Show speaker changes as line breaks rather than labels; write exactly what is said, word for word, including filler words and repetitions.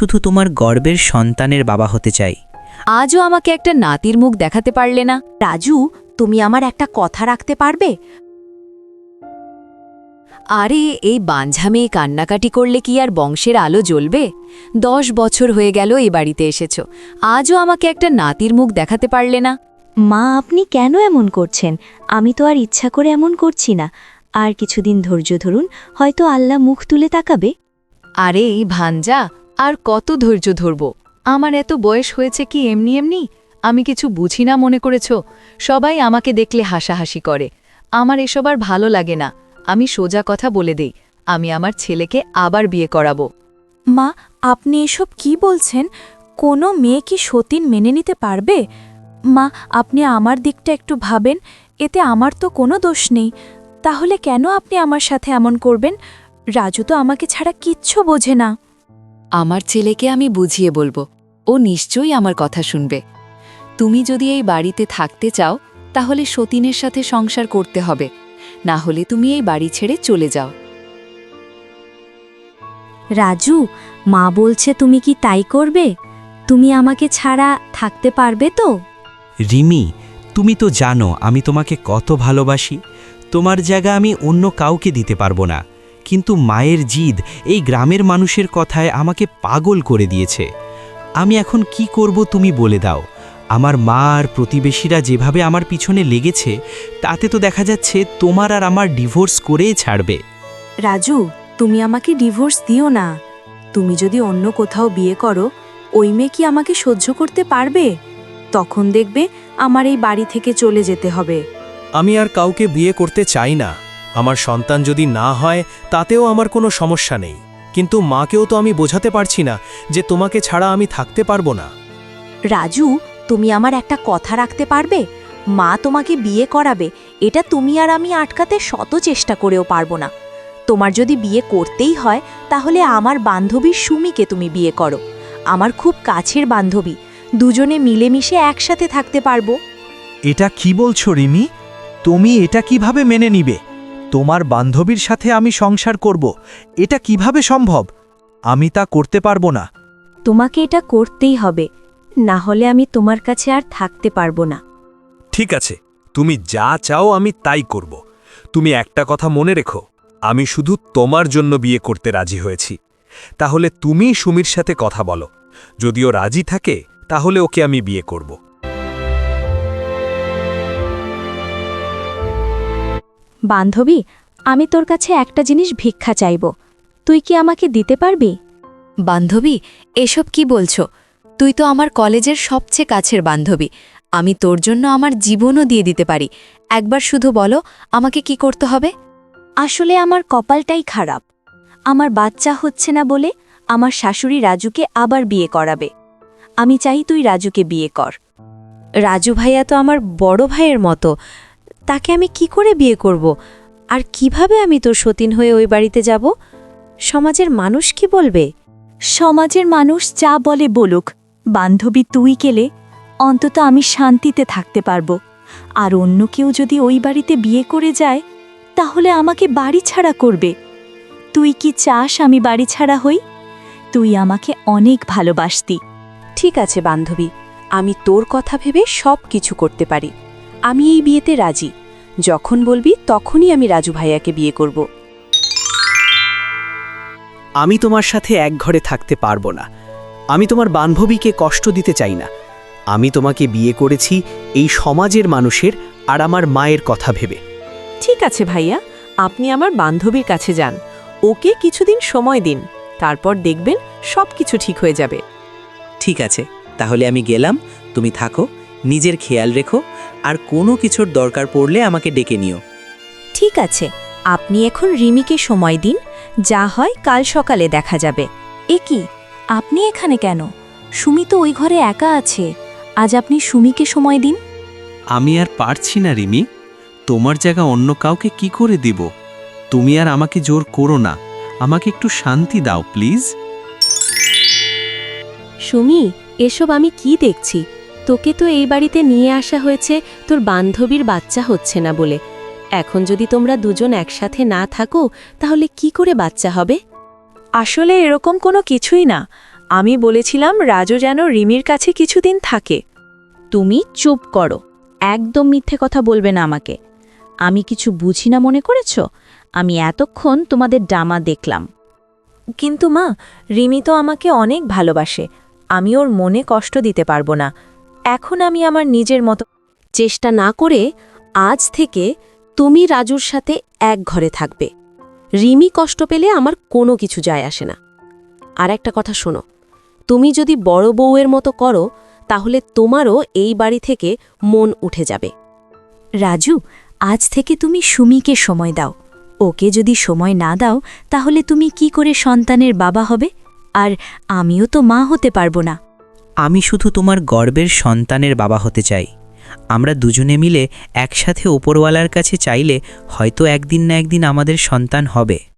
শুধু তোমার গর্বের সন্তানের বাবা হতে চাই।
আজও আমাকে একটা নাতির মুখ দেখাতে পারলে না।
রাজু, তুমি আমার একটা কথা রাখতে পারবে?
আরে এই বাঞ্ঝা মেয়ে কান্নাকাটি করলে কি আর বংশের আলো জ্বলবে? দশ বছর হয়ে গেল এই বাড়িতে এসেছ, আজও আমাকে একটা নাতির মুখ দেখাতে পারলে না।
মা, আপনি কেন এমন করছেন? আমি তো আর ইচ্ছা করে এমন করছি না। আর কিছুদিন ধৈর্য ধরুন, হয়তো আল্লাহ মুখ তুলে তাকাবে।
আরে এই ভাঞ্জা, আর কত ধৈর্য ধরব? আমার এত বয়স হয়েছে কি এমনি এমনি? আমি কিছু বুঝি না মনে করেছ? সবাই আমাকে দেখলে হাসাহাসি করে। আমার এসব আর ভালো লাগে না। আমি সোজা কথা বলে দেই, আমি আমার ছেলেকে আবার বিয়ে করাবো।
মা, আপনি এসব কি বলছেন? কোনো মেয়ে কি সতীন মেনে নিতে পারবে? মা, আপনি আমার দিকটা একটু ভাবেন, এতে আমার তো কোনো দোষ নেই। তাহলে কেন আপনি আমার সাথে এমন করবেন? রাজু তো আমাকে ছাড়া কিচ্ছু বোঝে না।
আমার ছেলেকে আমি বুঝিয়ে বলবো, ও নিশ্চয়ই আমার কথা শুনবে। তুমি যদি এই বাড়িতে থাকতে চাও তাহলে সতীনের সাথে সংসার করতে হবে, না হলে তুমি এই বাড়ি ছেড়ে চলে যাও।
রাজু, মা বলছে তুমি কি তাই করবে? তুমি আমাকে ছাড়া থাকতে পারবে তো?
রিমি, তুমি তো জানো আমি তোমাকে কত ভালোবাসি। তোমার জায়গা আমি অন্য কাউকে দিতে পারবো না, কিন্তু মায়ের জিদ এই গ্রামের মানুষের কথায় আমাকে পাগল করে দিয়েছে। আমি এখন কি করব তুমি বলে দাও। আমার মা আর প্রতিবেশীরা যেভাবে আমার পিছনে লেগেছে, তাতে তো দেখা যাচ্ছে তোমার আর আমার ডিভোর্স করেই ছাড়বে।
রাজু, তুমি আমাকে ডিভোর্স দিও না। তুমি যদি অন্য কোথাও বিয়ে করো, ওই মেয়ে কি আমাকে সহ্য করতে পারবে? তখন দেখবে আমার এই বাড়ি থেকে চলে যেতে হবে।
আমি আর কাউকে বিয়ে করতে চাই না। আমার সন্তান যদি না হয় তাতেও আমার কোনো সমস্যা নেই, কিন্তু মাকেও তো আমি বোঝাতে পারছি না যে তোমাকে ছাড়া আমি থাকতে পারবো না।
রাজু, তুমি আমার একটা কথা রাখতে পারবে? মা তোমাকে বিয়ে করাবে, এটা তুমি আর আমি আটকাতে শত চেষ্টা করেও পারবো না। তোমার যদি বিয়ে করতেই হয় তাহলে আমার বান্ধবী সুমিকে তুমি বিয়ে করো। আমার খুব কাছের বান্ধবী, দুজনে মিলেমিশে একসাথে থাকতে পারবো।
এটা কি বলছো রিমি? তুমি এটা কিভাবে মেনে নিবে? তোমার বান্ধবীর সাথে আমি সংসার করব, এটা কিভাবে সম্ভব? আমি তা করতে পারবো না।
তোমাকে এটা করতেই হবে, না হলে আমি তোমার কাছে আর থাকতে পারবো না।
ঠিক আছে, তুমি যা চাও আমি তাই করব। তুমি একটা কথা মনে রেখো, আমি শুধু তোমার জন্য বিয়ে করতে রাজি হয়েছি। তাহলে তুমি সুমির সাথে কথা বলো, যদিও রাজি থাকে তাহলে ওকে আমি বিয়ে করব।
বান্ধবী, আমি তোর কাছে একটা জিনিস ভিক্ষা চাইব, তুই কি আমাকে দিতে পারবি?
বান্ধবী, এসব কি বলছো? তুই তো আমার কলেজের সবচেয়ে কাছের বান্ধবী। আমি তোর জন্য আমার জীবনও দিয়ে দিতে পারি। একবার শুধু বলো আমাকে কি করতে হবে।
আসলে আমার কপালটাই খারাপ। আমার বাচ্চা হচ্ছে না বলে আমার শাশুড়ি রাজুকে আবার বিয়ে করাবে। আমি চাই তুই রাজুকে বিয়ে কর। রাজু ভাইয়া তো আমার বড় ভাইয়ের মতো, তাকে আমি কি করে বিয়ে করব? আর কিভাবে আমি তোর সতীন হয়ে ওই বাড়িতে যাব? সমাজের মানুষ কি বলবে?
সমাজের মানুষ যা বলে বলুক, বান্ধবী তুই গেলে অন্তত আমি শান্তিতে থাকতে পারবো। আর অন্য কেউ যদি ওই বাড়িতে বিয়ে করে যায় তাহলে আমাকে বাড়ি ছাড়া করবে। তুই কি চাস আমি বাড়ি ছাড়া হই? তুই আমাকে অনেক ভালোবাসতি।
ঠিক আছে বান্ধবী, আমি তোর কথা ভেবে সব কিছু করতে পারি। আমি এই বিয়েতে রাজি। যখন বলবি তখনই আমি রাজু ভাইয়াকে বিয়ে করব।
আমি তোমার সাথে এক ঘরে থাকতে পারবো না। আমি তোমার বান্ধবীকে কষ্ট দিতে চাই না। আমি তোমাকে বিয়ে করেছি এই সমাজের মানুষের আর আমার মায়ের কথা ভেবে।
ঠিক আছে ভাইয়া, আপনি আমার বান্ধবীর কাছে যান, ওকে কিছুদিন সময় দিন, তারপর দেখবেন সব কিছু ঠিক হয়ে যাবে।
ঠিক আছে, তাহলে আমি গেলাম। তুমি থাকো, নিজের খেয়াল রেখো, আর কোনো কিছুর দরকার পড়লে আমাকে ডেকে নিও।
ঠিক আছে, আপনি এখন রিমিকে সময় দিন, যা হয় কাল সকালে দেখা যাবে।
এ কি, আপনি এখানে কেন? সুমি তো ওই ঘরে একা আছে। আজ আপনি সুমিকে সময় দিন।
আমি আর পারছি না রিমি, তোমার জায়গা অন্য কাউকে কি করে দিব? তুমি আর আমাকে জোর করো না, আমাকে একটু শান্তি দাও প্লিজ।
সুমি, এসব আমি কি দেখছি? তোকে তো এই বাড়িতে নিয়ে আসা হয়েছে তোর বান্ধবীর বাচ্চা হচ্ছে না বলে। এখন যদি তোমরা দুজন একসাথে না থাকো তাহলে কি করে বাচ্চা হবে?
আসলে এরকম কোনো কিছুই না।
আমি বলেছিলাম রাজু যেন রিমির কাছে কিছুদিন থাকে।
তুমি চুপ করো, একদম মিথ্যে কথা বলবে না আমাকে। আমি কিছু বুঝি না মনে করেছ? আমি এতক্ষণ তোমাদের ড্রামা দেখলাম।
কিন্তু মা, রিমি তো আমাকে অনেক ভালোবাসে, আমি ওর মনে কষ্ট দিতে পারবো না। এখন আমি আমার নিজের মতো
চেষ্টা না করে আজ থেকে তুমি রাজুর সাথে এক ঘরে থাকবে। রিমি কষ্ট পেলে আমার কোনো কিছু যায় আসে না। আর একটা কথা শোনো, তুমি যদি বড় বউয়ের মতো করো তাহলে তোমারও এই বাড়ি থেকে মন উঠে যাবে।
রাজু, আজ থেকে তুমি সুমিকে সময় দাও। ওকে যদি সময় না দাও তাহলে তুমি কি করে সন্তানের বাবা হবে? আর আমিও তো মা হতে পারবো না।
আমি শুধু তোমার গর্বের সন্তানের বাবা হতে চাই। আমরা দুজনে মিলে একসাথে ওপরওয়ালার কাছে চাইলে হয়তো একদিন না একদিন আমাদের সন্তান হবে।